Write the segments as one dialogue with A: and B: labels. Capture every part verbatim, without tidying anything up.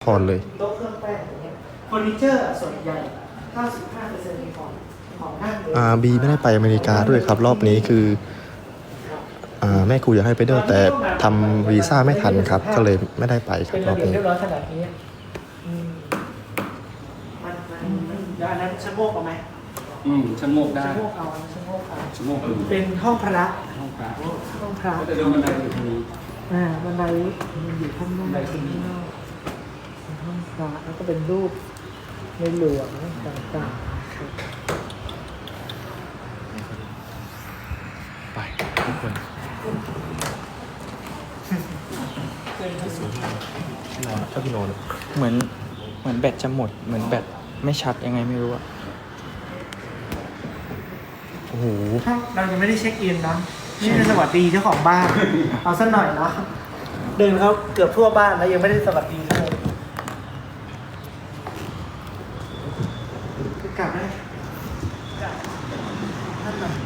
A: พอเลย
B: โต๊ะเครื่องแป้งอย่างเงี้ยเฟอร์นิเจอร์ส่วนใหญ่ เก้าสิบห้าเปอร์เซ็นต์ มีของของนั่งเลย
A: อ่าบีไม่ได้ไปอเมริกาด้วยครับรอบนี้คืออ่าแม่ครูอยากให้ไปด้วยแต่ทำวีซ่าไม่ทันครับก็เลยไม่ได้ไปครับ
B: เป็น
A: ร
B: ระ
A: อบ
B: เบียบ
A: นี้
B: เรียบร้อยขนาดนี้อืมมันมันมันแล้วอันนั้นชะโงกเอาไหม
C: อืมชะโงกได้
B: ชะโงกเอาชะโงกเอา
C: ชะโงกดู
B: เป็นห้องพระ
C: ห้องพระ
B: ห้องพระ
C: ก็จะเดินบันไดอยู่ตรงนี้
B: อ่าบันไดมันอยู่ข้างนอก
C: บันไดขึ้น
B: ข้างนอกเป็นห้องพระแล้วก็เป็นรูปในหลวงต่างๆครับ
C: ไปทุกคน
A: นอนชอบพี่นอน
D: เหมือนเหมือนแบตจะหมดเหมือนแบตไม่ชัดยังไงไม่รู้อะ
A: โอ้โห
B: ถ้าเรายังไม่ได้เช็คอินเนาะนี่เป็นสวัสดีเจ้าของบ้าน เอาสักหน่อยเนาะเดินเขาเกือบทั่วบ้านแล้วยังไม่ได้สวัสดีเลยกลับได้กลับท่านหน่อย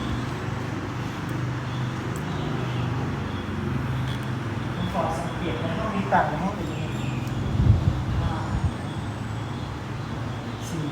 B: ผมขอสังเกตในห้องนี้ต่างในห้องอื่นสี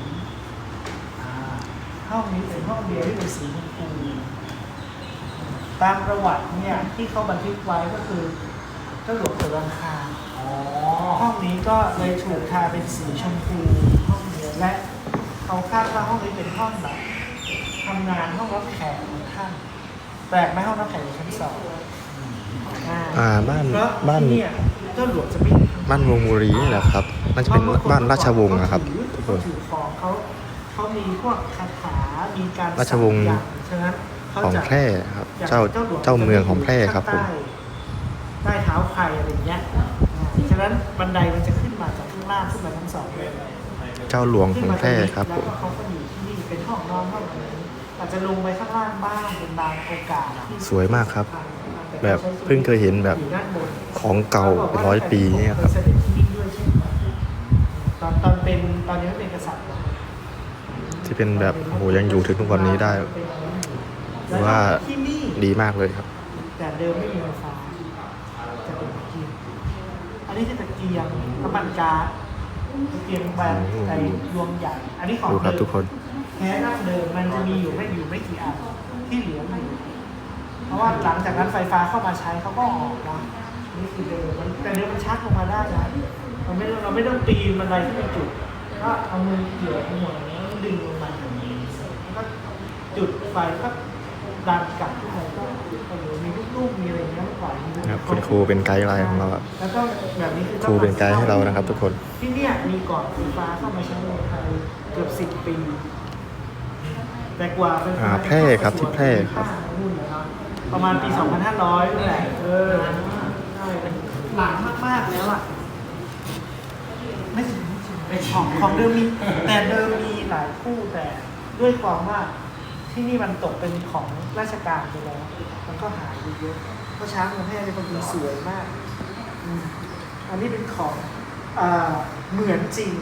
B: ห้องนี้เป็นห้องเดียวที่เป็นสีชมพูตามประวัติเนี่ยที่เขาบันทึกไว้ก็คือเจ้าหลวงเสือรังคารห้องนี้ก็เลยถูกทาเป็นสีชมพูห้องเดียวและเขาคาดว่าห้องนี้เป็นห้องแบบทำงานห้องรับแขกของท่านแปลกไหมห้องรับแขกอยู่ชั้นสองอ่า
A: อ่าบ้าน
B: เพราะ
A: บ้าน
B: ที่เนี่ยเจ้าหลวงจะไม่
A: บ้านวงบุรีนี่แหละครับน่าจะเป็นบ้านราชวงศ์นะครับทุกค
B: เขา
A: น
B: ถือของเขาเขามีพวกคาถา มีการ
A: ราชวงศ์
B: สักยันต์ฉะนั้นเขา
A: ของ
B: จะ
A: แพร่ครับ
B: อย่าง
A: เจ้า
B: หลว
A: เจ้าเมืองของแพร่ครับผม
B: ใต้ใต้เท้าใครอะไรอย่างเงี้ยอ่าฉะนั้นบันไดมันจะขึ้นมาจากข้างล่างขึ้นมาทั้งสองเลย
A: เจ้าหลวงของแพร่ครับผม
B: แล้วก็เขาก็อยู่ที่นี่เป็นห้องนอนห้องอะไรอาจจะลงไปข้างล่างบ้างเป็นบางโอกาสที่
A: สวยมากครับ แบบเพิ่งเคยเห็นแบบ
B: อยู่ด้านบน
A: ของเก่าเป็นร้อยปีเนี่ยครับ
B: เสด็จที่นี่ด้วยใช่ไหมตอนตอนเป็นตอนนี้ไม่เป็นกษัตริย์นะ
A: ที่เป็นแบบโอ้โหยังอยู่ถึงทุกวันนี้ได้ถือว่า
B: ที่นี่
A: ดีมากเลยครับ
B: แต่เดิมไม่มีไฟฟ้าจะเป็นตะเกียงอันนี้คือตะเกียงน้ำมันก๊าซตะเกียงแบบในดวงใหญ่อันนี้ของ
A: ดูครับ
B: เดิม
A: ทุกคน
B: แค่ดั้งเดิมมันจะมีอยู่ไม่อยู่ไม่กี่อันที่เหลืออยู่เพราะว่าหลังจากนั้นไฟฟ้าเข้ามาใช้เขาก็ออกนะนี่คือเดิมมันแต่เดิมมันชักลงมาได้นะเราไม่ต้องเราไม่ต้องปีนบันไดที่เป็นจุดก็เอามือเกี่ยวหัวแล้วดึงลงมาอย่างนี้แล้วก็จุดไฟก็ดันกลับขึ้นไปก็โอ้โหมีลูกๆมีอะไรเงี้ยมันปล่อยมี
A: ครับคุณครูเป็นไกด์ไลน์ของเราอะ
B: แล้วก็แบบนี้คือ
A: ครูเป็นไกด์ให้เรานะครับ ทุกคน
B: ที่เนี่ยมีก่อนไฟฟ้าเข้ามาใช้ในไทยเกือบสิบปี แต่กว่าไฟฟ้า
A: อ่าแพร่ครับที่แพร่ครับ
B: นู่นเลยเนาะประมาณปี สองพันห้าร้อย นี่แหละเออใช่เป็นหลังมากๆแล้วอ่ะไม่ถึงไม่ถึงเป็นของของเดิมมีแต่เดิมมีหลายคู่แต่ด้วยความว่าที่นี่มันตกเป็นของราชการไปแล้วมันก็หายไปเยอะเพราะช้างเมืองแพร่เป็นคนสวยมากอืมอันนี้เป็นของอ่าเหมือนจริง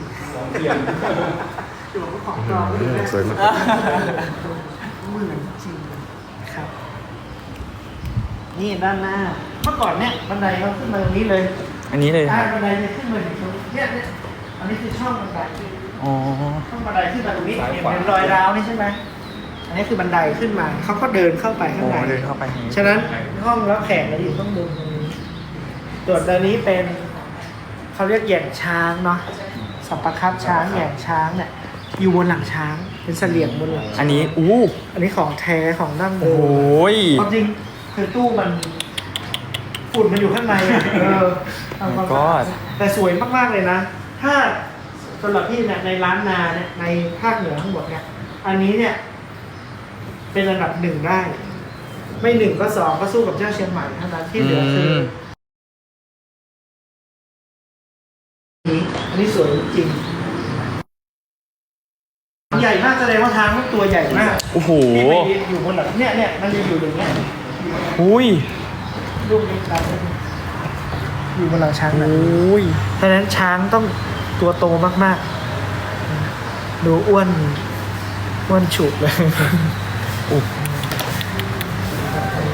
B: อยู่ของปลอม
A: อืมสวยมาก
B: เหมือนจริงนะครับ นี่ด้านหน้า เมื่อก่อนเนี่ยบันไดเขาขึ้นมาตรงนี้เลย
D: อันนี้เลยค
B: ใช่
D: รับ
B: บันไดเนี่ยขึ้นมาถึงตรงเนี่ยเนี่ยอันนี้คือช่องบันได
D: อ๋อ
B: ช่องบันไดขึ้นมาตรงนี้เห็นเป็นรอยร้าวนี่ใช่ไหมอันนี้คือบันไดขึ้นมาเขาก็เดินเข้าไปข้าง
D: โอ้
B: ใน
D: เดินเข้าไปอย่างนี้
B: ฉะนั้นห้องรับแขกเราอยู่ข้างบนตรงนี้ส่วนตัวนี้เป็นเขาเรียกแหย่งช้างเนาะสัปปะคับช้างแหย่งช้างเนี่ยอยู่บนหลังช้างเป็นเสลี่ยงบนหลังช้าง
D: อันนี้อู้
B: อันนี้ของแท้ของดั้งเดิ
D: โอ้
B: ม
D: โหย
B: ความจริงคือตู้มันฝุ่นมันอยู่ข้างในอะเออทำความสะอาดแต่สวยมากๆเลยนะ ถ้าสำหรับพี่เนี่ยในร้านนาเนี่ยในภาคเหนือทั้งหมดเนี่ยอันนี้เนี่ย เป็นอันดับหนึ่งได้ ไม่หนึ่งก็สองก็สู้กับเจ้าเชียงใหม่เท่านั้นที่เหลือคือ
D: ม
B: อันนี้สวยจริงใหญ่มากแสดงว่าทางมันตัวใหญ่มาก
D: โอ้โห
B: ที่ไปอยู่บนหลังเนี่ยเนี่ยมันจะอยู่อย่างเงี้ย
D: อุ้ย
B: รูปนี้ครับอยู่บนหลังช้าง
D: โอ
B: แบบนี้
D: ้ย
B: เพราะฉะนั้นช้างต้องตัวโตมากๆ ดูอ้วนอ้วนฉุกเลย
D: อุ๊ย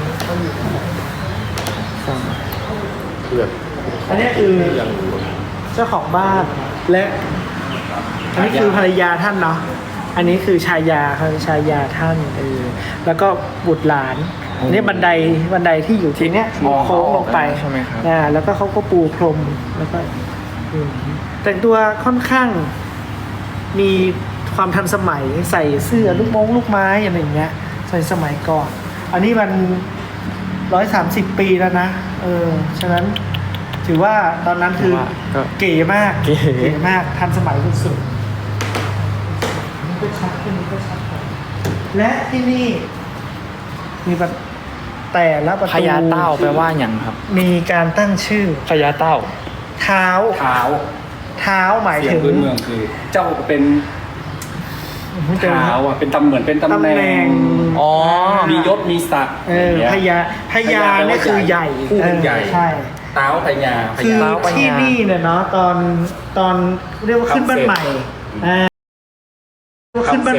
A: เพื่อน
B: อันนี้คือ
A: ยัง
B: สจ้าของบ้านและอันนี้คือภรรยาท่านเนาะอันนี้คือชายาครับชายาท่านเออแล้วก็บุตรหลานอันนี่บันไดบันไดที่อยู่ทีเนี้ยโค้งลงไป
D: ใช่ไหมครับ
B: อ่าแล้วก็เขาก็ปูพรมแล้วก็อืมแต่งตัวค่อนข้างมีความทันสมัยใส่เสื้อลูกมงลูกไม้อะไรอย่างเงี้ยใส่สมัยก่อน อันนี้มันร้อยสามสิบปีแล้วนะเออฉะนั้นถือว่าตอนนั้นคือ
D: ก็
B: เก๋มาก
D: เก๋
B: มากทันสมัยสุดๆนี่ก็ชัดขึ้นนี่ก็ชัดกว่าและที่นี่มีแบบแต่ละประตู
D: พญาเต้าแปลว่าอย่างครับ
B: มีการตั้งชื่อ
D: พญาเต้า
B: เท้า
C: เท้า
B: เท้าหมาย
C: เสีย
B: ถึ
C: ง
B: ง
C: พื้นเมืองคือ เจ้าเป็น
B: เจอ
C: เท้าอ่ะเป็นตำเหมือนเป็นตำ
B: ตำ
C: แห
B: แหน่
C: น่
B: ง
C: ง
D: อ๋อ
C: มียศมีศักดิ์
B: เออ
C: อย่าง
B: พ
C: เงี้ย
B: ญาพญาเนี่ยคือใหญ่
C: ผู้เป็นใหญ่
B: ออใช่
C: เท้าพญาพ
B: คือ
C: ญา
B: ที่นี่เนี่ยเนาะตอนตอนเรียกว่าขึ้นบ้านใหม่อ่าขึ้นบ้าน